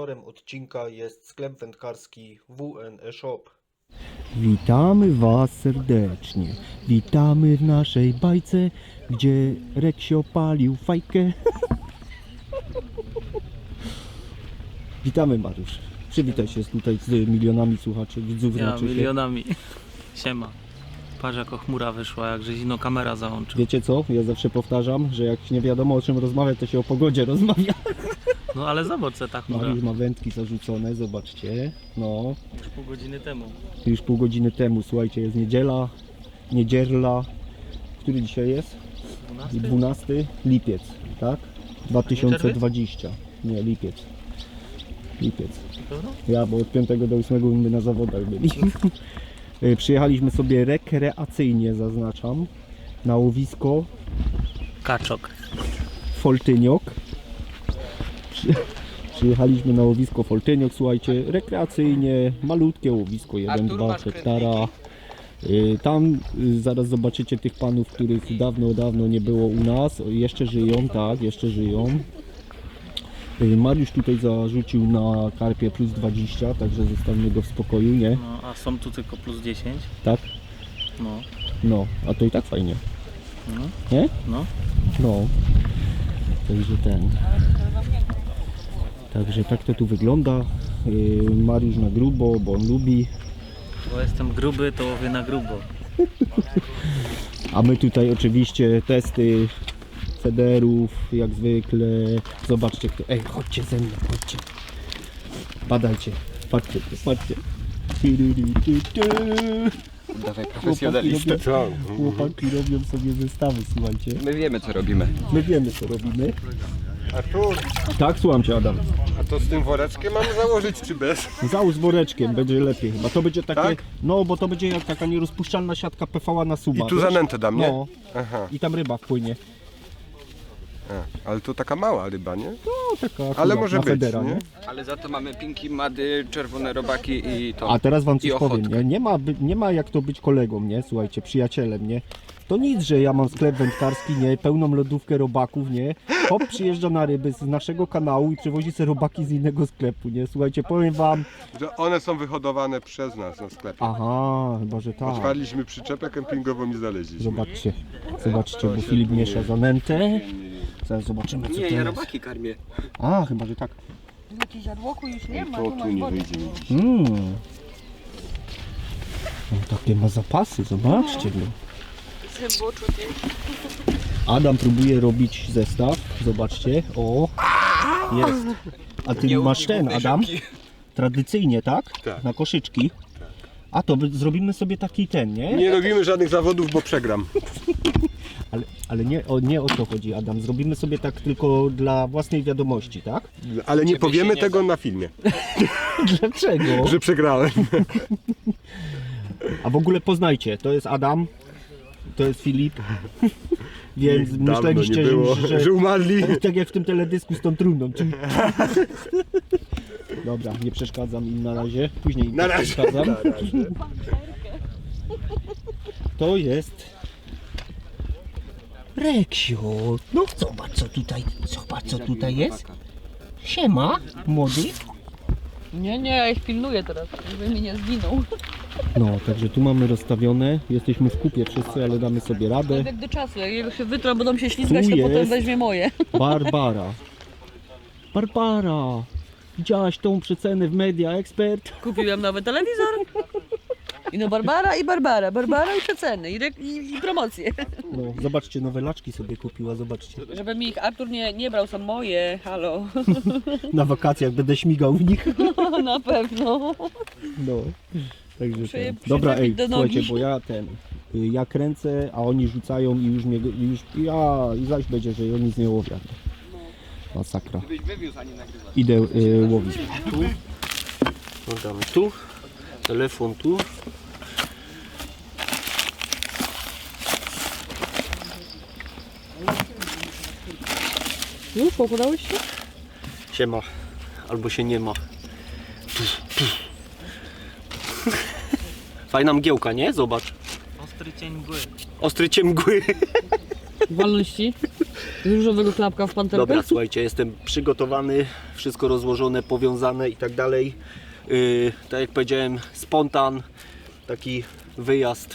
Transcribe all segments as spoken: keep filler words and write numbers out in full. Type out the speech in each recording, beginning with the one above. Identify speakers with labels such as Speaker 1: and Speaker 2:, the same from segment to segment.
Speaker 1: Sponsorem odcinka jest sklep wędkarski W N E Shop.
Speaker 2: Witamy Was serdecznie. Witamy w naszej bajce, gdzie Reksio palił fajkę. Witamy, Mariusz. Przywitaj się tutaj z milionami słuchaczy, widzów.
Speaker 3: Ja,
Speaker 2: znaczy się.
Speaker 3: milionami. Siema. Patrz, jako chmura wyszła, jak żeś ino kamera załączył.
Speaker 2: Wiecie co? Ja zawsze powtarzam, że jak nie wiadomo o czym rozmawiać, to się o pogodzie rozmawia.
Speaker 3: No ale zobacz, co ta chmura.
Speaker 2: Mariusz ma wędki zarzucone, zobaczcie. No,
Speaker 3: Już pół godziny temu.
Speaker 2: już pół godziny temu, słuchajcie, jest niedziela, niedziela. Który dzisiaj jest?
Speaker 3: dwunasty?
Speaker 2: dwunasty lipiec, tak? dwa tysiące dwudziesty. Nie, lipiec. Lipiec.
Speaker 3: Pewno?
Speaker 2: Ja, bo od piątego do ósmego my na zawodach byli. Y, Przyjechaliśmy sobie rekreacyjnie, zaznaczam, na łowisko
Speaker 3: Kaczok.
Speaker 2: Foltyniok. Przy, przyjechaliśmy na łowisko Foltyniok, słuchajcie, rekreacyjnie, malutkie łowisko, jeden dwa hektara. Y, Tam y, zaraz zobaczycie tych panów, których dawno, dawno nie było u nas. Jeszcze żyją, tak, jeszcze żyją. Y, Mariusz tutaj zarzucił na karpie plus dwadzieścia, także zostawimy go w spokoju, nie?
Speaker 3: No, a są tu tylko plus dziesięć.
Speaker 2: Tak?
Speaker 3: No.
Speaker 2: No, a to i tak fajnie,
Speaker 3: No.
Speaker 2: nie?
Speaker 3: No.
Speaker 2: No. Także ten. Także tak to tu wygląda. Y, Mariusz na grubo, bo on lubi.
Speaker 3: Bo jestem gruby, to łowię na grubo.
Speaker 2: A my tutaj oczywiście testy federów, jak zwykle. Zobaczcie kto. Ej, chodźcie ze mną, chodźcie. Badajcie. Patrzcie, patrzcie.
Speaker 4: Dawaj
Speaker 2: Chłopaki
Speaker 4: profesjonalistę.
Speaker 2: robią, chłopaki robią sobie zestawy, słuchajcie.
Speaker 4: My wiemy co robimy.
Speaker 2: My wiemy co robimy.
Speaker 5: Artur,
Speaker 2: Tak, słucham cię, Adam.
Speaker 5: a to z tym woreczkiem mam założyć czy bez?
Speaker 2: Załóż z woreczkiem, będzie lepiej chyba. To będzie takie,
Speaker 5: Tak?
Speaker 2: no bo to będzie jak taka nierozpuszczalna siatka P V A na suba.
Speaker 5: I tu
Speaker 2: wiesz?
Speaker 5: zanętę dam, nie?
Speaker 2: No,
Speaker 5: Aha,
Speaker 2: i tam ryba wpłynie.
Speaker 5: a, ale to taka mała ryba, nie?
Speaker 2: No taka
Speaker 5: Ale
Speaker 2: akurat
Speaker 5: może
Speaker 2: na
Speaker 5: być,
Speaker 2: federa,
Speaker 5: nie?
Speaker 4: Ale za to mamy pinki, mady, czerwone robaki i to.
Speaker 2: A teraz wam coś
Speaker 4: I
Speaker 2: powiem,
Speaker 4: ochotkę.
Speaker 2: nie? Nie ma, by- nie ma jak to być kolegą, nie? Słuchajcie, przyjacielem, nie? To nic, że ja mam sklep wędkarski, nie? Pełną lodówkę robaków, nie? Hop przyjeżdża na ryby z naszego kanału i przywozi sobie robaki z innego sklepu, nie? Słuchajcie, powiem wam...
Speaker 5: Że one są wyhodowane przez nas na sklepie.
Speaker 2: Aha, chyba, że tak.
Speaker 5: Otwarliśmy przyczepę kempingową i znaleźliśmy.
Speaker 2: Zobaczcie, zobaczcie, bo Filip miesza zanętę. Zaraz zobaczymy, co
Speaker 4: Nie,
Speaker 2: to
Speaker 4: ja
Speaker 2: jest.
Speaker 4: robaki karmię.
Speaker 2: A, chyba, że tak.
Speaker 6: Jakieś żarłoku już nie ma,
Speaker 5: To
Speaker 6: tu
Speaker 5: tu
Speaker 6: masz
Speaker 5: nie
Speaker 6: wodę.
Speaker 5: wyjdzie mi dziś.
Speaker 2: Mm. No, takie ma zapasy, zobaczcie. No.
Speaker 6: Zęboczu ty.
Speaker 2: Adam próbuje robić zestaw, zobaczcie. O, jest. A ty masz ten, Adam? Tradycyjnie, tak?
Speaker 5: Tak.
Speaker 2: Na koszyczki. A to by- zrobimy sobie taki ten, nie?
Speaker 5: Nie robimy żadnych zawodów, bo przegram.
Speaker 2: Ale, ale nie, o, nie o to chodzi, Adam. Zrobimy sobie tak tylko dla własnej wiadomości, tak?
Speaker 5: Ale nie powiemy
Speaker 4: nie
Speaker 5: tego na filmie,
Speaker 2: Dlaczego?
Speaker 5: że przegrałem.
Speaker 2: A w ogóle poznajcie, to jest Adam, to jest Filip, więc
Speaker 5: Dawno
Speaker 2: myśleliście,
Speaker 5: nie było,
Speaker 2: że, że,
Speaker 5: że umarli.
Speaker 2: tak jak w tym teledysku z tą trumną. Czy... Dobra, nie przeszkadzam im na razie, później im
Speaker 5: Na
Speaker 2: też
Speaker 5: razie.
Speaker 2: przeszkadzam. To jest Reksio. No zobacz co tutaj, zobacz co tutaj jest. Siema, młody.
Speaker 6: Nie, nie, ja ich pilnuję teraz, żeby mi nie zginął.
Speaker 2: No, także tu mamy rozstawione, jesteśmy w kupie wszyscy, ale damy sobie radę.
Speaker 6: Jak do czasu, jak jego się wytrą, będą się ślizgać,
Speaker 2: Tu
Speaker 6: to potem
Speaker 2: jest.
Speaker 6: weźmie moje.
Speaker 2: Barbara. Barbara. Widziałaś tą przecenę w Media Expert?
Speaker 6: Kupiłem nowy telewizor. I no Barbara i Barbara, Barbara i przeceny, i, rek- i, i promocje.
Speaker 2: No, zobaczcie, nowe laczki sobie kupiła, zobaczcie.
Speaker 6: Żeby mi ich Artur nie, nie brał, są moje, halo.
Speaker 2: Na wakacjach będę śmigał w nich.
Speaker 6: Na pewno.
Speaker 2: No. Także
Speaker 6: Muszę je
Speaker 2: ten. Dobra, ej,
Speaker 6: przyczepić do
Speaker 2: słuchajcie,
Speaker 6: nogi.
Speaker 2: bo ja ten, y, ja kręcę, a oni rzucają i już mnie, i już, ja, i zaś będzie, że oni z nie łowią. Masakra.
Speaker 4: Byś wywiózł, a nie nagrywał.
Speaker 2: Idę y, łowić.
Speaker 3: Tu. No damy tu. Telefon tu.
Speaker 6: Już pokładałeś się?
Speaker 2: Się ma, albo się nie ma. Fajna mgiełka, nie? Zobacz.
Speaker 3: Ostry cień mgły.
Speaker 2: Ostry cień mgły.
Speaker 6: Walności. Z różowego klapka w panterkę.
Speaker 2: Dobra, słuchajcie, jestem przygotowany wszystko rozłożone, powiązane i tak dalej. Yy, tak jak powiedziałem, spontan, taki wyjazd.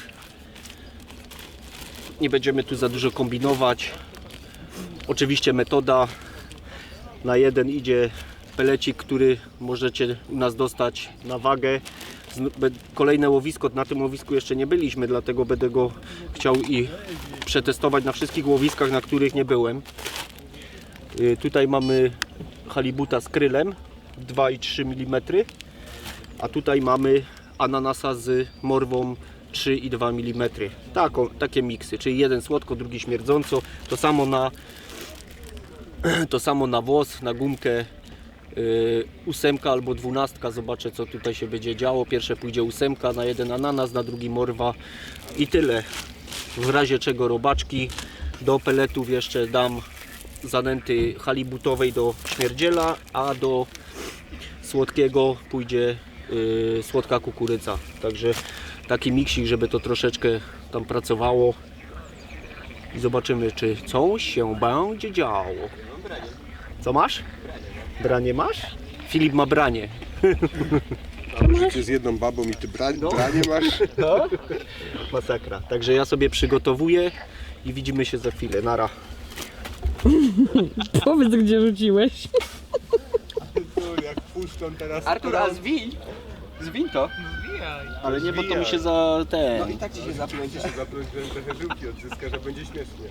Speaker 2: Nie będziemy tu za dużo kombinować. Oczywiście metoda na jeden idzie pelecik, który możecie u nas dostać na wagę. Kolejne łowisko, na tym łowisku jeszcze nie byliśmy, dlatego będę go chciał i przetestować na wszystkich łowiskach, na których nie byłem. Yy, tutaj mamy halibuta z krylem dwa i trzy milimetry, a tutaj mamy ananasa z morwą trzy i dwa milimetry. Taką, takie miksy, czyli jeden słodko, drugi śmierdząco. To samo na, to samo na włos, na gumkę. Yy, ósemka albo dwunastka, zobaczę co tutaj się będzie działo. Pierwsze pójdzie ósemka, na jeden ananas, na drugi morwa i tyle. W razie czego robaczki. Do peletów jeszcze dam zanęty halibutowej do śmierdziela, a do słodkiego pójdzie yy, słodka kukurydza. Także taki miksik, żeby to troszeczkę tam pracowało i zobaczymy, czy coś się będzie działo. Co masz? Branie masz? Filip ma branie.
Speaker 5: Ty z jedną babą i ty bra branie masz?
Speaker 2: No. Masakra. Także ja sobie przygotowuję i widzimy się za chwilę. Nara.
Speaker 6: Powiedz, gdzie rzuciłeś.
Speaker 5: Jak puszczą teraz...
Speaker 4: Artur, a zwiń! Zwiń to!
Speaker 2: Ale nie, bo to mi się za ten.
Speaker 4: No i tak ci się zapląć.
Speaker 5: Się zapląć, że trochę żyłki odzyska, że będzie śmiesznie.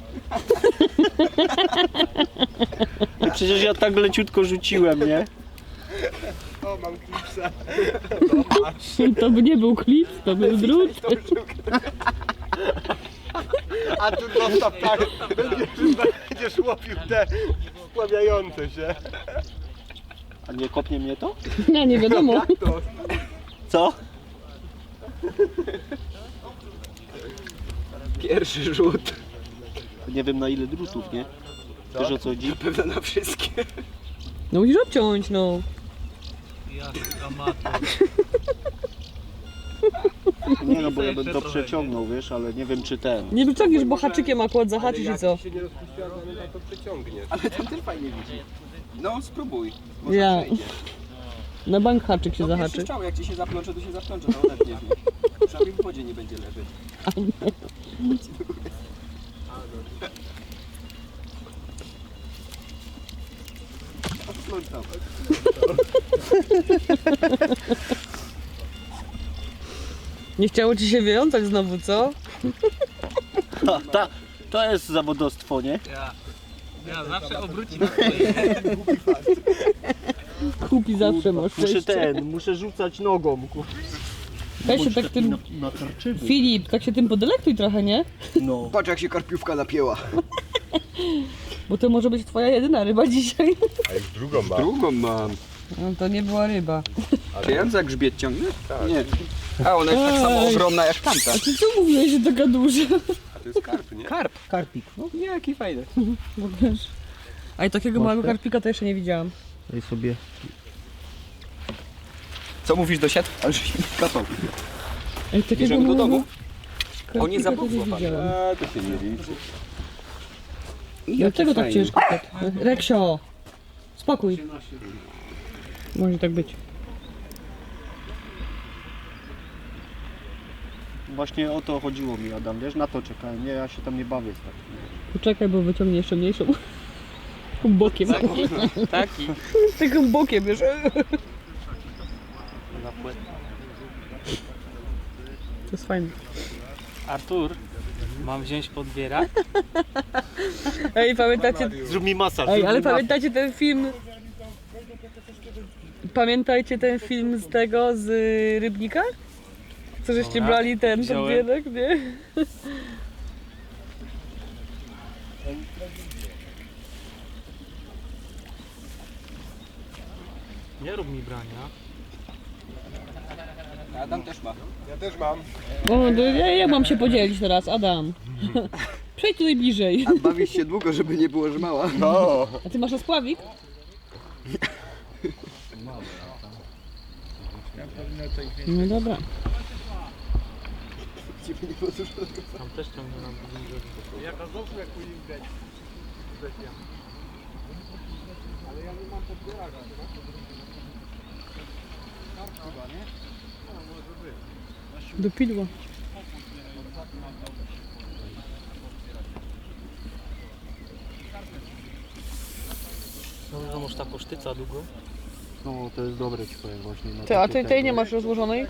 Speaker 2: Przecież ja tak leciutko rzuciłem, nie?
Speaker 5: O, mam klipsa.
Speaker 6: To by nie był klip, to był drut.
Speaker 5: A tu dostaw tak, będziesz, będziesz łowił te spławiające się.
Speaker 2: A nie kopnie mnie to?
Speaker 6: Nie, nie wiadomo.
Speaker 5: Jak to?
Speaker 2: Co?
Speaker 4: Pierwszy rzut.
Speaker 2: Nie wiem na ile drutów, nie? Wiesz o co chodzi?
Speaker 4: Pewno na wszystkie.
Speaker 6: No musisz obciąć, no.
Speaker 3: Ja amator.
Speaker 2: Nie no, bo ja bym to przeciągnął, wiesz, ale nie wiem czy ten.
Speaker 6: Nie wyciągniesz, bo haczykiem akurat zahaczyć i co?
Speaker 5: Jak się nie rozpuściła zanęta, to przeciągniesz.
Speaker 4: Ale ten też fajnie widzi. No spróbuj. Może
Speaker 6: Ja.
Speaker 4: przejdzie.
Speaker 6: Na bank haczyk się
Speaker 4: No
Speaker 6: zahaczy.
Speaker 4: pierwszy strzał, jak ci się zaplącze, to się zaplącze, to odetniesz mnie. Przynajmniej w wodzie nie będzie leżeć. Odplątał.
Speaker 6: Nie chciało ci się wyjątać znowu, co?
Speaker 2: Ha, ta, to jest zawodostwo, nie?
Speaker 3: Ja, ja zawsze obróci na swoje.
Speaker 6: Kupi zawsze masz
Speaker 2: Muszę
Speaker 6: szczęście.
Speaker 2: ten, muszę rzucać nogą. kur-
Speaker 6: Weź się tak tym...
Speaker 2: Na, na tarczywu.
Speaker 6: Filip, tak się tym podelektuj trochę, nie?
Speaker 2: No.
Speaker 4: Patrz jak się karpiówka napięła.
Speaker 6: Bo to może być twoja jedyna ryba dzisiaj.
Speaker 5: A już drugą mam.
Speaker 4: Drugą mam.
Speaker 6: No to nie była ryba.
Speaker 4: Czy ja za grzbiet ciągnę? Tak. Nie. A ona jest tak samo
Speaker 6: Ej.
Speaker 4: ogromna jak tamta.
Speaker 6: A ty co mówiłeś, że taka duża?
Speaker 5: A to jest karp, nie?
Speaker 4: Karp.
Speaker 2: Karpik. No.
Speaker 4: Nie, jaki fajny.
Speaker 6: Bo wiesz. A i takiego
Speaker 2: Masz
Speaker 6: małego
Speaker 2: też?
Speaker 6: karpika to jeszcze nie widziałam.
Speaker 2: Daj sobie.
Speaker 4: Co mówisz do siat? Ale żeś mi kapał.
Speaker 6: Ej, takiego
Speaker 4: Bierzemy do domu?
Speaker 6: karpika
Speaker 4: On nie
Speaker 6: to
Speaker 4: zapomniał,
Speaker 6: nie
Speaker 4: pan.
Speaker 6: widziałam.
Speaker 5: A, to się nie liczy.
Speaker 6: Dlaczego tak ciężko? Reksio! Spokój. Może tak być.
Speaker 2: Właśnie o to chodziło mi, Adam, wiesz, na to czekałem. Nie, ja się tam nie bawię. Tak.
Speaker 6: Poczekaj, bo wyciągnie jeszcze mniejszą. Taką bokiem.
Speaker 3: Taki.
Speaker 6: Taką bokiem, wiesz. To jest fajne.
Speaker 3: Artur, mam wziąć podbierak?
Speaker 6: Ej, pamiętacie...
Speaker 2: Zrób mi masaż.
Speaker 6: Ej,
Speaker 2: zrób
Speaker 6: ale
Speaker 2: mi masaż.
Speaker 6: pamiętacie ten film... Pamiętajcie ten film z tego, z y, Rybnika? Co żeście
Speaker 3: Dobra,
Speaker 6: brali ten
Speaker 3: wziąłem.
Speaker 6: podbierak, nie?
Speaker 3: Nie rób mi brania.
Speaker 4: Adam też ma.
Speaker 5: Ja też mam.
Speaker 6: O, to ja, jak mam się podzielić teraz, Adam? Przejdź tutaj bliżej.
Speaker 4: A bawisz się długo, żeby nie było żmała.
Speaker 5: No.
Speaker 6: A ty masz rozpławik? No dobra.
Speaker 3: Tam też ciągnę nam bliżej.
Speaker 6: Do pidła.
Speaker 3: No, może ta kosztyca długo?
Speaker 1: No to jest dobre ci powiem właśnie. na
Speaker 6: Ty, a
Speaker 1: takie
Speaker 6: tej, tej
Speaker 1: tego.
Speaker 6: nie masz rozłożonej?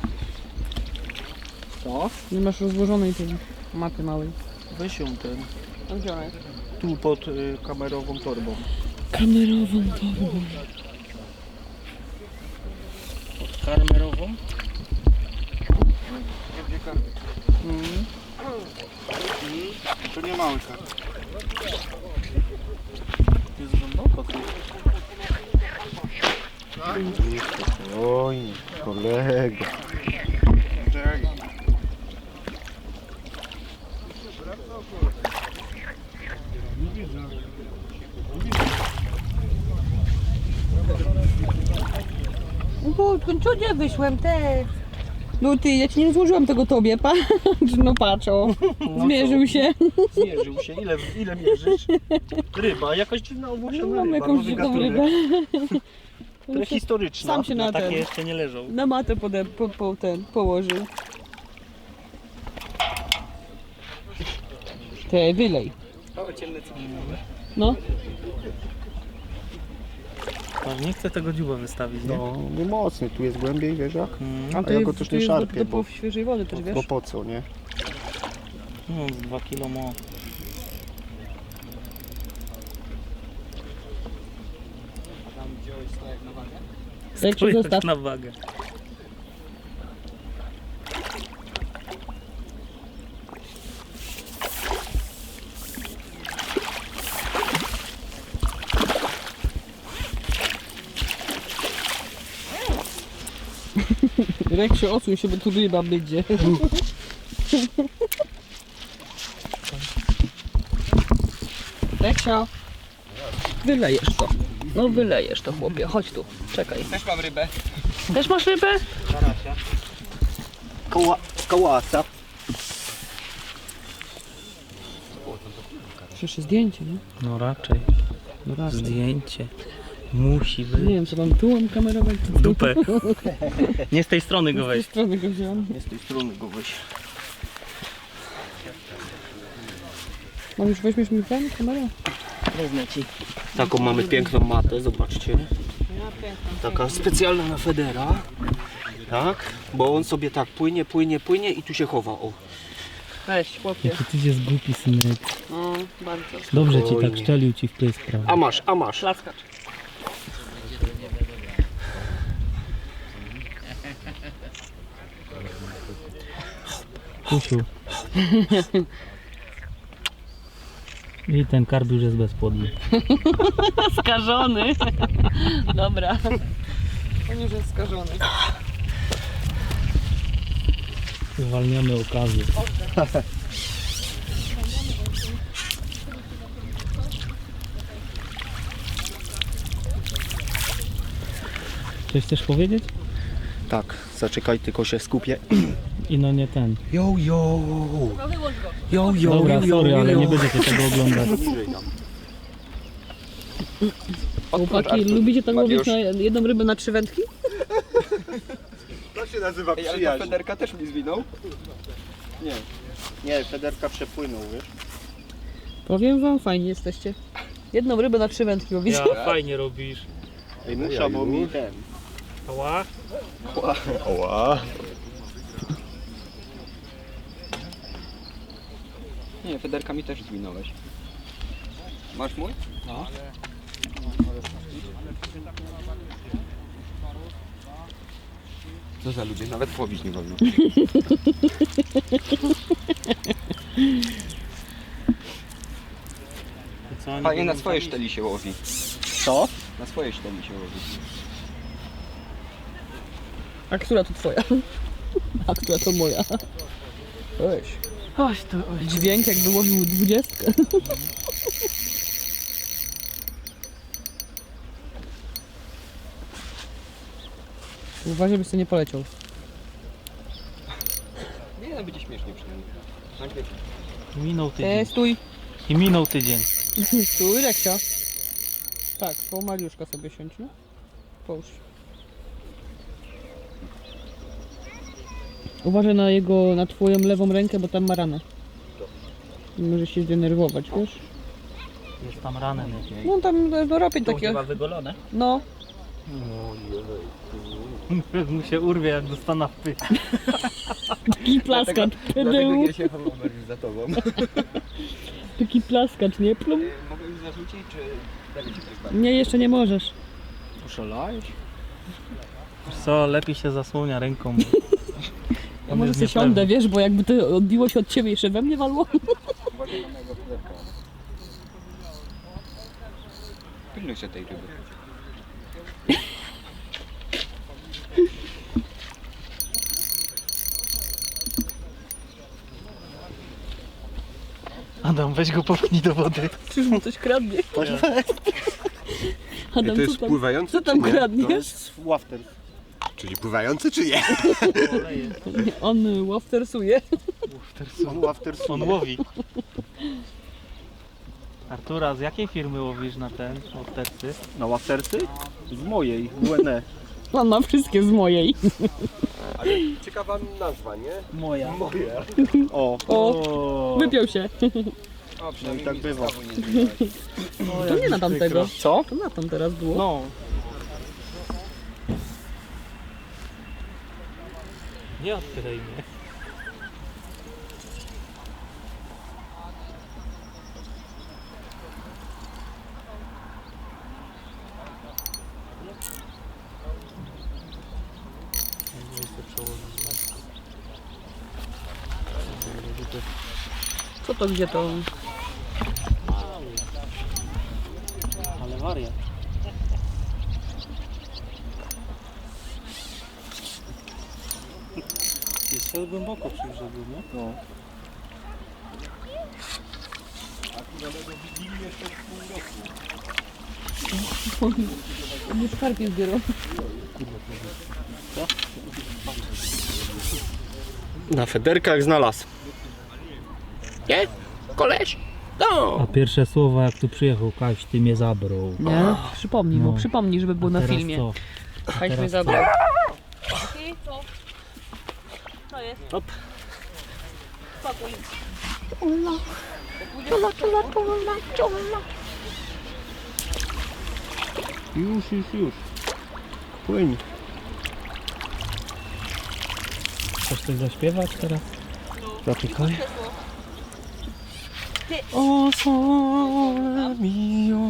Speaker 1: Co?
Speaker 6: Nie masz rozłożonej tej mapy małej.
Speaker 1: Weź ją ten.
Speaker 6: A gdzie ona jest?
Speaker 1: Tu pod y, kamerową torbą.
Speaker 6: Kamerową torbą.
Speaker 3: Karmerową?
Speaker 1: To nie mały kar.
Speaker 3: Jest głęboko tu.
Speaker 1: Oj, kolego.
Speaker 6: Bo co nie wyszłem te? No ty, ja ci nie złożyłam tego tobie, patrz, no patrz o. Zmierzył się.
Speaker 1: Zmierzył się. Ile, ile mierzysz? Ryba, jakaś dziwna
Speaker 6: No,
Speaker 1: owłosiona
Speaker 6: mam
Speaker 1: ryba.
Speaker 6: jakąś
Speaker 1: nowy
Speaker 6: dziką
Speaker 1: gatunek.
Speaker 6: rybę.
Speaker 1: Prehistoryczna.
Speaker 6: Sam się na
Speaker 3: Takie
Speaker 6: ten,
Speaker 3: jeszcze nie leżą.
Speaker 6: na matę pode, po, po ten, położył. Te, wylej. No,
Speaker 3: Patrz, nie chcę tego dziuba wystawić, nie?
Speaker 1: No, nie mocny, tu jest głębiej, wiesz jak?
Speaker 3: Mm.
Speaker 6: a
Speaker 1: A
Speaker 6: to
Speaker 1: ja
Speaker 6: jest,
Speaker 1: go też
Speaker 6: to
Speaker 1: nie
Speaker 6: jest do,
Speaker 1: szarpię,
Speaker 6: do
Speaker 1: bo-
Speaker 6: po świeżej wody też, wiesz?
Speaker 1: Bo po co, nie?
Speaker 3: No, z dwa kilo mo.
Speaker 6: Jak się
Speaker 3: Spójrz
Speaker 6: zostaw.
Speaker 3: na wagę.
Speaker 6: Reksio, odsuń się, bo tu ryba będzie. Reksio, wylejesz to. No wylejesz to, chłopie. Chodź tu, czekaj.
Speaker 4: Też mam rybę.
Speaker 6: Też masz rybę?
Speaker 1: Koła, kołasa.
Speaker 6: Przecież zdjęcie, nie?
Speaker 3: No raczej.
Speaker 6: No raz.
Speaker 3: Zdjęcie. Musi
Speaker 6: Nie
Speaker 3: być.
Speaker 6: wiem, co mam tu mam kamerować, czy
Speaker 3: W
Speaker 6: tu?
Speaker 3: dupę. Nie z tej strony go
Speaker 6: Z tej
Speaker 3: weź.
Speaker 6: strony go wziąłem.
Speaker 1: Nie z tej strony go weź.
Speaker 6: Mam już weźmiesz mi ten kamerę?
Speaker 3: Wezmę ci.
Speaker 1: Taką mamy piękną matę, zobaczcie. Taka specjalna na Federa. Tak, bo on sobie tak płynie, płynie, płynie i tu się chowa. O.
Speaker 6: Weź, chłopie.
Speaker 3: Jaki ty jest głupi synek.
Speaker 6: No, bardzo.
Speaker 3: Dobrze ci
Speaker 1: Spokojnie.
Speaker 3: tak szczelił ci w pysk, prawda?
Speaker 1: A masz, a masz.
Speaker 6: Klaskacz.
Speaker 3: Kusiu. I ten karp już jest bezpłodny.
Speaker 6: Skażony. Dobra. On już jest skażony.
Speaker 3: Zwalniamy okazję. Coś chcesz powiedzieć?
Speaker 1: Tak, zaczekaj, tylko się skupię.
Speaker 3: I no nie ten.
Speaker 1: Yo, yo. Yo, yo,
Speaker 3: Dobra,
Speaker 1: yo,
Speaker 3: sorry,
Speaker 1: yo,
Speaker 3: ale
Speaker 1: yo.
Speaker 3: nie będziecie tego oglądać.
Speaker 6: Chłopaki, lubicie tak łowić
Speaker 4: Mariusz.
Speaker 6: na jedną rybę na trzy wędki?
Speaker 5: To się nazywa
Speaker 4: Ej, ale ta
Speaker 5: przyjaźń.
Speaker 4: Federka też mi zwinął.
Speaker 1: Nie, nie, Federka przepłynął, wiesz?
Speaker 6: Powiem wam, fajnie jesteście. Jedną rybę na trzy wędki łowicie.
Speaker 3: Ja, fajnie robisz.
Speaker 1: Ej, muszę, bo mi ten.
Speaker 3: Ała.
Speaker 5: Oła.
Speaker 4: Nie, Federka mi też zwinąłeś. Masz mój? No. Co za ludzie, nawet łowić nie wolno.
Speaker 3: Co,
Speaker 4: Fajnie na swojej szteli się łowi.
Speaker 1: Co?
Speaker 4: Na swojej szteli się łowi.
Speaker 6: A która to twoja? A która to moja? Weź. Oś to, oś. Dźwięk jakby łowił dwudziestkę. Uważaj, byś sobie nie poleciał.
Speaker 4: Nie, no będzie śmiesznie przynajmniej. Nagle
Speaker 3: Minął
Speaker 6: E,
Speaker 3: tydzień.
Speaker 6: stój.
Speaker 3: I minął tydzień.
Speaker 6: Stój, Reksia. Tak, po Mariuszka sobie siądź, no. Połóż. Uważaj na jego, na twoją lewą rękę, bo tam ma ranę. Może się zdenerwować, wiesz?
Speaker 3: Jest tam ranem jakieś.
Speaker 6: No tam do robić
Speaker 3: To
Speaker 6: takie.
Speaker 3: chyba wygolone.
Speaker 6: No.
Speaker 3: Mu się urwie jak dostana w pysk.
Speaker 6: Taki plaskacz.
Speaker 4: Dlatego ja się chowam Mariusz za tobą.
Speaker 6: Taki plaskacz, nie? Plum.
Speaker 4: Mogę już zarzucić, czy dalej ci coś
Speaker 6: Nie, jeszcze nie możesz.
Speaker 4: Poszalałeś?
Speaker 3: Wiesz co, lepiej się zasłania ręką. Bo
Speaker 6: Ja
Speaker 3: on
Speaker 6: może
Speaker 3: jest
Speaker 6: sobie
Speaker 3: niepewny.
Speaker 6: siądę, wiesz, bo jakby to odbiło się od ciebie jeszcze we mnie walło.
Speaker 4: Uważaj na mojego chlebka. Pilnuj się tej ryby.
Speaker 3: Adam, weź go popchnij do wody.
Speaker 6: Czyż mu coś kradnie? Adam,
Speaker 5: To
Speaker 6: co
Speaker 5: jest
Speaker 6: tam,
Speaker 5: pływający
Speaker 6: co tam
Speaker 5: czy nie?
Speaker 1: To
Speaker 6: kradniesz?
Speaker 1: jest wafter.
Speaker 5: Czyli pływający czy nie?
Speaker 6: Nie, on y, łaftersuje.
Speaker 1: On waftersuje.
Speaker 3: On łowi. Artura, z jakiej firmy łowisz na ten łowtercy?
Speaker 1: Na waftersy? Z mojej, W N E.
Speaker 6: On ma wszystkie z mojej.
Speaker 5: Ale ciekawa nazwa, nie?
Speaker 3: Moja.
Speaker 5: Moje.
Speaker 1: O,
Speaker 6: O, wypiął się.
Speaker 4: O, przynajmniej
Speaker 1: tak
Speaker 4: mi
Speaker 1: bywa.
Speaker 4: znowu nie zbiłeś.
Speaker 6: To nie na tamtego.
Speaker 1: Co?
Speaker 6: To na tam teraz było.
Speaker 1: No.
Speaker 3: Nie odkryj mnie.
Speaker 6: Co to, gdzie to?
Speaker 3: Ale wariat. Jest głęboko przy brzegu, nie?
Speaker 1: No.
Speaker 6: Nie szkarpie zbierał.
Speaker 1: Na federkach znalazł. Nie? Koleś? No.
Speaker 3: A pierwsze słowa jak tu przyjechał, Kaś, ty mnie zabrał.
Speaker 6: Nie? Przypomnij mu,
Speaker 3: No.
Speaker 6: przypomnij, żeby było na
Speaker 3: Teraz
Speaker 6: filmie.
Speaker 3: co?
Speaker 6: Kaś mnie
Speaker 3: teraz
Speaker 6: zabrał.
Speaker 1: Hop. Już, już, już. Płyń.
Speaker 3: Chcesz coś zaśpiewać teraz?
Speaker 1: Zapykaj. O sole mio.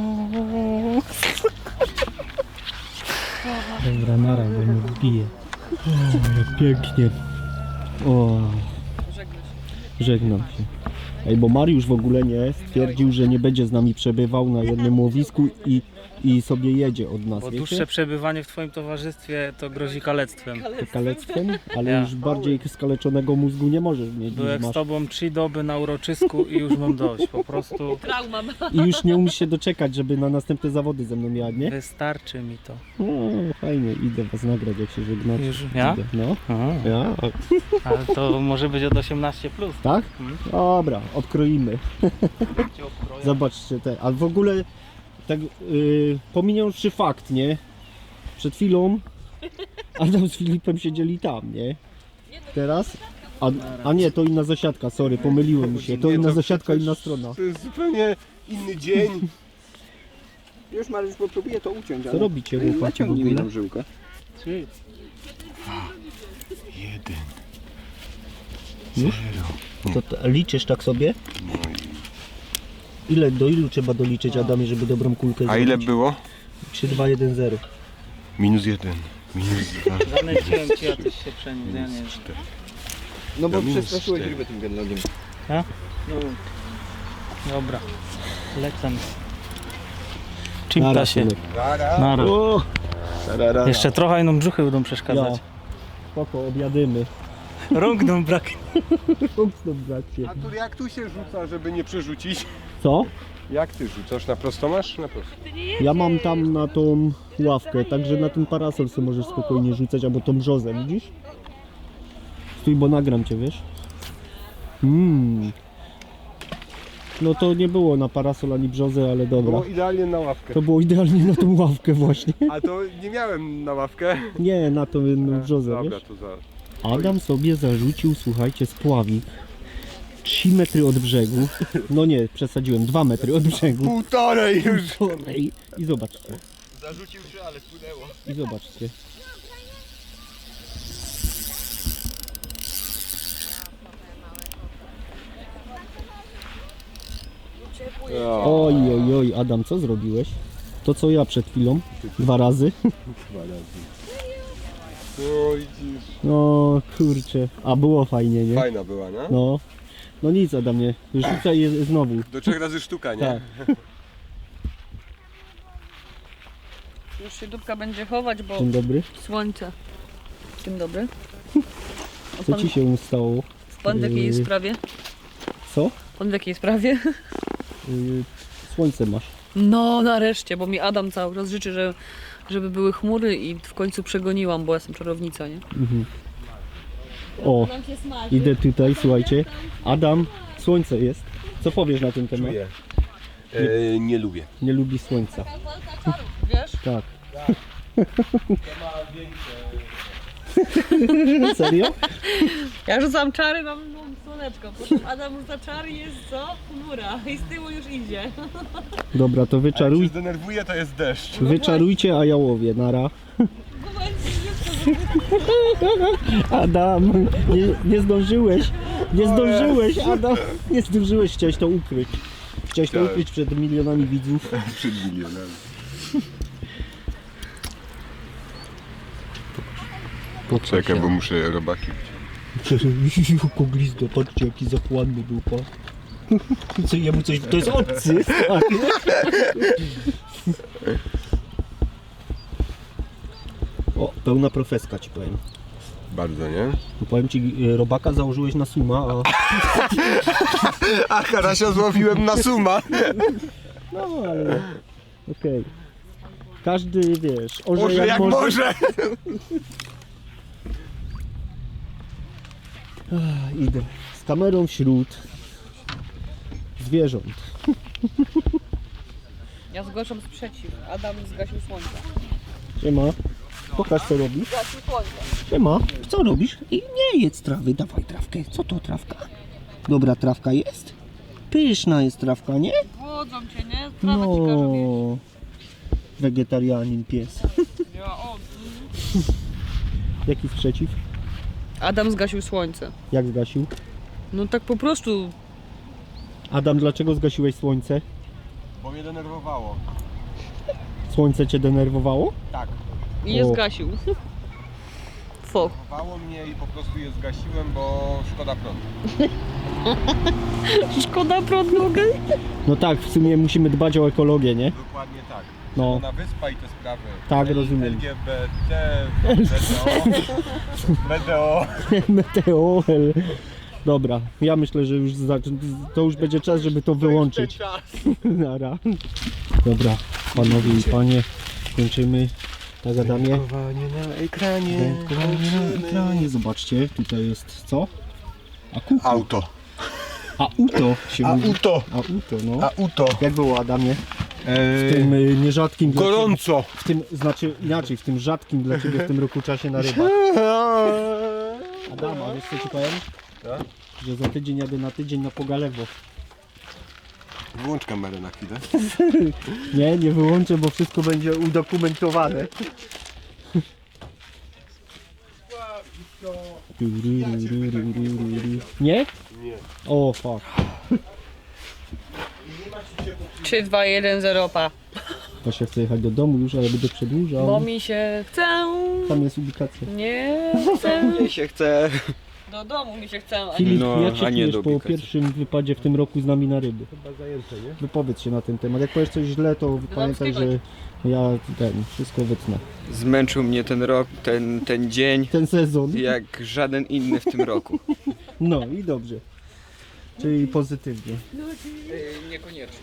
Speaker 3: Dobra, nara, bo mnie wbije.
Speaker 2: Jak pięknie. O, żegnam się. Ej, bo Mariusz w ogóle nie stwierdził, że nie będzie z nami przebywał na jednym łowisku i, i sobie jedzie od nas,
Speaker 3: Bo
Speaker 2: wiecie?
Speaker 3: dłuższe przebywanie w twoim towarzystwie to grozi kalectwem.
Speaker 2: Kalectwem, ale
Speaker 3: Ja.
Speaker 2: już bardziej skaleczonego mózgu nie możesz mieć
Speaker 3: Byłem
Speaker 2: niż
Speaker 3: z
Speaker 2: masz.
Speaker 3: tobą trzy doby na uroczysku i już mam dość. Po prostu
Speaker 6: Trauma.
Speaker 2: I już nie umiesz się doczekać, żeby na następne zawody ze mną jadł, nie?
Speaker 3: wystarczy mi to.
Speaker 2: O, fajnie, idę was nagrać, jak się żegnacie.
Speaker 3: Już ja?
Speaker 2: Idę. No,
Speaker 3: Aha.
Speaker 2: ja? A,
Speaker 3: Ale to może być od osiemnaście plus.
Speaker 2: tak?
Speaker 3: Mhm.
Speaker 2: Dobra, odkroimy. Zobaczcie te, a w ogóle tak yy, pominiąwszy fakt, nie? Przed chwilą Adam z Filipem siedzieli tam, nie? Teraz? A, a nie, to inna zasiadka, sorry, pomyliłem mi się. To
Speaker 5: Nie,
Speaker 2: inna
Speaker 5: to
Speaker 2: zasiadka,
Speaker 5: przecież
Speaker 2: inna strona.
Speaker 5: To jest zupełnie inny dzień.
Speaker 4: Już Mariusz próbuje to uciąć,
Speaker 2: Co
Speaker 4: ale...
Speaker 2: robicie, chłopaki, w
Speaker 4: Naciągnij mi
Speaker 2: ogóle?
Speaker 4: tą żyłkę.
Speaker 3: Trzy.
Speaker 5: Jeden.
Speaker 2: Już? To, to liczysz tak sobie? Ile, do ilu trzeba doliczyć, Adamie, żeby dobrą kulkę
Speaker 5: A
Speaker 2: zrobić?
Speaker 5: ile było?
Speaker 2: trzy, dwa, jeden, zero.
Speaker 5: Minus jeden. Minus dwa.
Speaker 3: Zanęciłem cię, a tyś się przeniósł. Ja nie wiem.
Speaker 5: cztery.
Speaker 4: No bo
Speaker 5: Ja minus
Speaker 4: przestraszyłeś
Speaker 5: cztery.
Speaker 4: rybę tym genlogiem.
Speaker 3: Dobra, lecę.
Speaker 2: Nara,
Speaker 3: Czymta się.
Speaker 2: synek.
Speaker 3: Nara.
Speaker 2: O,
Speaker 3: Jeszcze trochę inną brzuchy będą przeszkadzać.
Speaker 2: ja. Spoko, objadymy.
Speaker 3: Rąk nam brak.
Speaker 2: Mocno, bracie.
Speaker 5: A tu jak tu się rzuca, żeby nie przerzucić?
Speaker 2: Co?
Speaker 5: Jak ty rzucasz? Na prosto masz? Na prosto.
Speaker 2: Ja mam tam na tą ławkę, także na ten parasol sobie możesz spokojnie rzucać, albo tą brzozę, widzisz? Stój, bo nagram cię, wiesz? Mmm. No to nie było na parasol ani brzozę, ale dobra.
Speaker 5: Było idealnie na ławkę.
Speaker 2: To było idealnie na tą ławkę właśnie.
Speaker 5: A to nie miałem na ławkę.
Speaker 2: Nie, na tą jedną brzozę,
Speaker 5: Dobra,
Speaker 2: wiesz?
Speaker 5: to za...
Speaker 2: Adam sobie zarzucił, słuchajcie, spławik. trzy metry od brzegu. No nie, przesadziłem, dwa metry od brzegu.
Speaker 5: Półtorej już!
Speaker 2: Półtorej. I zobaczcie.
Speaker 5: Zarzucił się, ale spłynęło.
Speaker 2: I zobaczcie. Oj, oj, oj, Adam, co zrobiłeś? To co ja przed chwilą, dwa razy.
Speaker 5: Oj, dziś.
Speaker 2: No kurczę, a było fajnie, nie?
Speaker 5: Fajna była, nie?
Speaker 2: No, no nic Adamie, rzucaj je znowu.
Speaker 5: Do trzech razy sztuka, nie?
Speaker 2: Tak.
Speaker 6: Już się dupka będzie chować, bo
Speaker 2: Dzień dobry,
Speaker 6: słońce. Dzień dobry. A
Speaker 2: co
Speaker 6: pan,
Speaker 2: ci się stało?
Speaker 6: pan w jakiej
Speaker 2: Yy,
Speaker 6: sprawie?
Speaker 2: Co?
Speaker 6: Pan w jakiej sprawie?
Speaker 2: Yy, słońce masz.
Speaker 6: No nareszcie, bo mi Adam cały czas życzy, że, żeby były chmury i w końcu przegoniłam, bo jestem czarownica, nie?
Speaker 2: Mhm. O, idę tutaj, słuchajcie. Adam, słońce jest. Co powiesz na ten temat?
Speaker 5: Czuję. E, nie lubię.
Speaker 2: Nie lubi słońca.
Speaker 6: Wiesz?
Speaker 2: Tak. Serio?
Speaker 6: Ja rzucam czary, mam, mam słoneczko. Potem Adam rzuca czary i jest co? Chmura. I z tyłu już idzie.
Speaker 2: Dobra, to
Speaker 5: Jak się
Speaker 2: wyczaruj,
Speaker 5: zdenerwuję, to jest deszcz.
Speaker 2: wyczarujcie, a ja łowię. Nara. Adam, nie, nie zdążyłeś. Nie zdążyłeś, Adam. Nie zdążyłeś, chciałeś to ukryć. Chciałeś to
Speaker 5: Tak.
Speaker 2: ukryć przed milionami widzów.
Speaker 5: Przed milionami. Czekaj, bo muszę robaki wziąć.
Speaker 2: Koglizdo, patrzcie jaki zachłanny był pan. Co, jemu coś, to jest obcy, stary. O, pełna profeska ci powiem.
Speaker 5: Bardzo, nie?
Speaker 2: Bo powiem ci, y, robaka założyłeś na suma, a...
Speaker 5: A Harasia złowiłem na suma.
Speaker 2: No ale... Okej. Każdy, wiesz, orze,
Speaker 5: Może jak może.
Speaker 2: Ach, idę z kamerą wśród zwierząt.
Speaker 6: Ja zgłaszam sprzeciw. Adam zgasił słońce.
Speaker 2: Siema. Pokaż co robisz.
Speaker 6: Zgasił słońce.
Speaker 2: Siema. Co robisz? I nie jedz trawy, dawaj trawkę. Co to trawka? Dobra trawka jest? Pyszna jest trawka, nie?
Speaker 6: Głodzą cię, nie? Trawa ci każe jeść.
Speaker 2: No. Wegetarianin pies.
Speaker 6: Ja, o.
Speaker 2: Jaki sprzeciw?
Speaker 6: Adam zgasił słońce.
Speaker 2: Jak zgasił?
Speaker 6: No tak po prostu.
Speaker 2: Adam, dlaczego zgasiłeś słońce?
Speaker 5: Bo mnie denerwowało.
Speaker 2: Słońce cię denerwowało?
Speaker 5: Tak.
Speaker 6: I je
Speaker 2: O.
Speaker 6: zgasił. Foch.
Speaker 5: Denerwowało mnie i po prostu je zgasiłem, bo szkoda prądu.
Speaker 6: Szkoda prądu, okej?
Speaker 2: No tak, w sumie musimy dbać o ekologię, nie?
Speaker 5: Dokładnie tak.
Speaker 2: No.
Speaker 5: Na wyspa i te sprawy.
Speaker 2: Tak,
Speaker 5: L-
Speaker 2: rozumiem.
Speaker 5: L G B T, B D O.
Speaker 2: Meteor. Dobra, ja myślę, że już za, to już będzie czas, żeby to wyłączyć. Nara. Dobra, panowie i panie, kończymy. Tak, Adamie.
Speaker 5: Wędkowanie na ekranie.
Speaker 2: Wędkowanie na ekranie. Zobaczcie, tutaj jest co? Akupu.
Speaker 5: Auto.
Speaker 2: Auto się mówi.
Speaker 5: Auto.
Speaker 2: Auto, no.
Speaker 5: Auto.
Speaker 2: Jak było, Adamie? W
Speaker 5: Eee,
Speaker 2: tym y, nierzadkim dla
Speaker 5: gorąco.
Speaker 2: ciebie, w tym, znaczy inaczej, w tym rzadkim dla ciebie w tym roku czasie na rybach. Adama, wiesz co ci powiem?
Speaker 5: Tak?
Speaker 2: Że za tydzień jadę na tydzień na Pogalewo.
Speaker 5: Włącz kamerę na chwilę.
Speaker 2: Nie, nie wyłączę, bo wszystko będzie udokumentowane. Nie?
Speaker 5: Nie.
Speaker 2: O, fuck.
Speaker 6: trzy, dwa, jeden, zero, pa.
Speaker 2: To się chce jechać do domu już, ale będę przedłużał.
Speaker 6: Bo mi się chce.
Speaker 2: Tam jest ubikacja.
Speaker 6: Nie chcę.
Speaker 4: Mi się chce.
Speaker 6: Do domu mi się chce. a nie-
Speaker 2: Filip,
Speaker 4: No,
Speaker 2: jak się
Speaker 4: a nie
Speaker 2: czujesz
Speaker 4: do
Speaker 2: po
Speaker 4: ubikacji.
Speaker 2: pierwszym wypadzie w tym roku z nami na ryby?
Speaker 5: Chyba zajęte, nie?
Speaker 2: Wypowiedz się na ten temat. Jak powiesz coś źle, to pamiętaj, że ja ten, wszystko wytnę.
Speaker 4: Zmęczył mnie ten rok, ten, ten dzień,
Speaker 2: Ten sezon.
Speaker 4: jak żaden inny w tym roku.
Speaker 2: No i dobrze. Czyli pozytywnie.
Speaker 4: Niekoniecznie.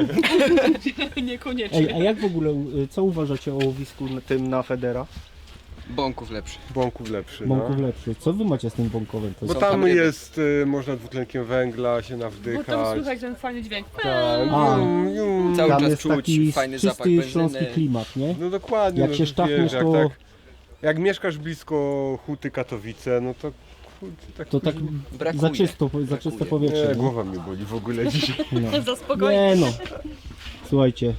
Speaker 6: Niekoniecznie.
Speaker 2: Ej, a jak w ogóle, y, co uważacie o łowisku na tym na Federa?
Speaker 4: Bąków lepszy.
Speaker 5: Bąków lepszy,
Speaker 2: Bąków
Speaker 5: no.
Speaker 2: lepszy. Co wy macie z tym bąkowym? To
Speaker 5: Bo
Speaker 2: jest...
Speaker 4: Są
Speaker 5: tam
Speaker 4: tam ryby.
Speaker 5: jest, y, można dwutlenkiem węgla się
Speaker 6: Bo tam
Speaker 5: nawdychać.
Speaker 6: słychać ten fajny dźwięk.
Speaker 5: Tak,
Speaker 2: A.
Speaker 5: jum, jum.
Speaker 4: Cały
Speaker 2: Tam
Speaker 4: czas
Speaker 2: jest
Speaker 4: czuć
Speaker 2: taki
Speaker 4: fajny zapach
Speaker 2: czysty
Speaker 4: benzyny.
Speaker 2: śląski klimat, nie?
Speaker 5: No dokładnie.
Speaker 2: Jak
Speaker 5: no
Speaker 2: się
Speaker 5: to
Speaker 2: sztachniesz,
Speaker 5: wiesz, jak
Speaker 2: to-
Speaker 5: tak, jak mieszkasz blisko Huty Katowice, no to kurczę, tak,
Speaker 2: To tak
Speaker 4: Brakuje.
Speaker 2: za, czysto, za czyste
Speaker 4: Brakuje.
Speaker 2: powietrze.
Speaker 5: nie,
Speaker 2: Nie?
Speaker 5: głowa mnie boli w ogóle dzisiaj.
Speaker 2: No.
Speaker 6: Za spokojnie.
Speaker 2: Nie no. Słuchajcie.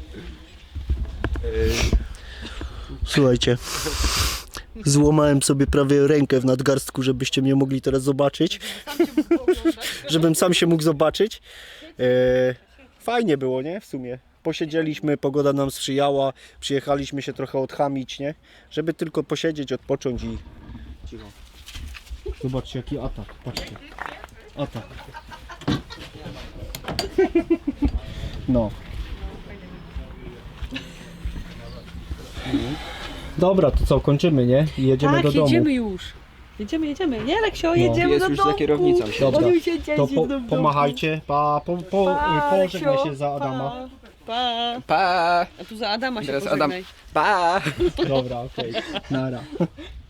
Speaker 1: Słuchajcie, złamałem sobie prawie rękę w nadgarstku, żebyście mnie mogli teraz zobaczyć. Żebym sam się mógł zobaczyć. E, fajnie było, nie? W sumie. Posiedzieliśmy, pogoda nam sprzyjała, przyjechaliśmy się trochę odchamić, nie? Żeby tylko posiedzieć, odpocząć i... Cicho.
Speaker 2: Zobaczcie jaki atak. Patrzcie. Atak. No. Dobra, to co, kończymy, nie? I jedziemy
Speaker 6: Tak,
Speaker 2: do domu.
Speaker 6: jedziemy już. Jedziemy, jedziemy. Nie, Leksio,
Speaker 2: No.
Speaker 6: jedziemy
Speaker 4: Jest
Speaker 6: do
Speaker 4: już za
Speaker 6: domku.
Speaker 4: kierownicą.
Speaker 2: Dobra,
Speaker 6: On już jedzie
Speaker 2: to
Speaker 6: do
Speaker 2: po,
Speaker 6: domku.
Speaker 2: pomachajcie. Pa, po, po,
Speaker 6: Pa,
Speaker 2: pożegnaj
Speaker 6: Leksio,
Speaker 2: się za Adama.
Speaker 6: Pa, pa.
Speaker 4: Pa!
Speaker 6: A tu za Adama się
Speaker 4: Teraz
Speaker 6: pożegnaj.
Speaker 4: Adam. Pa!
Speaker 2: Dobra, okej. Nara.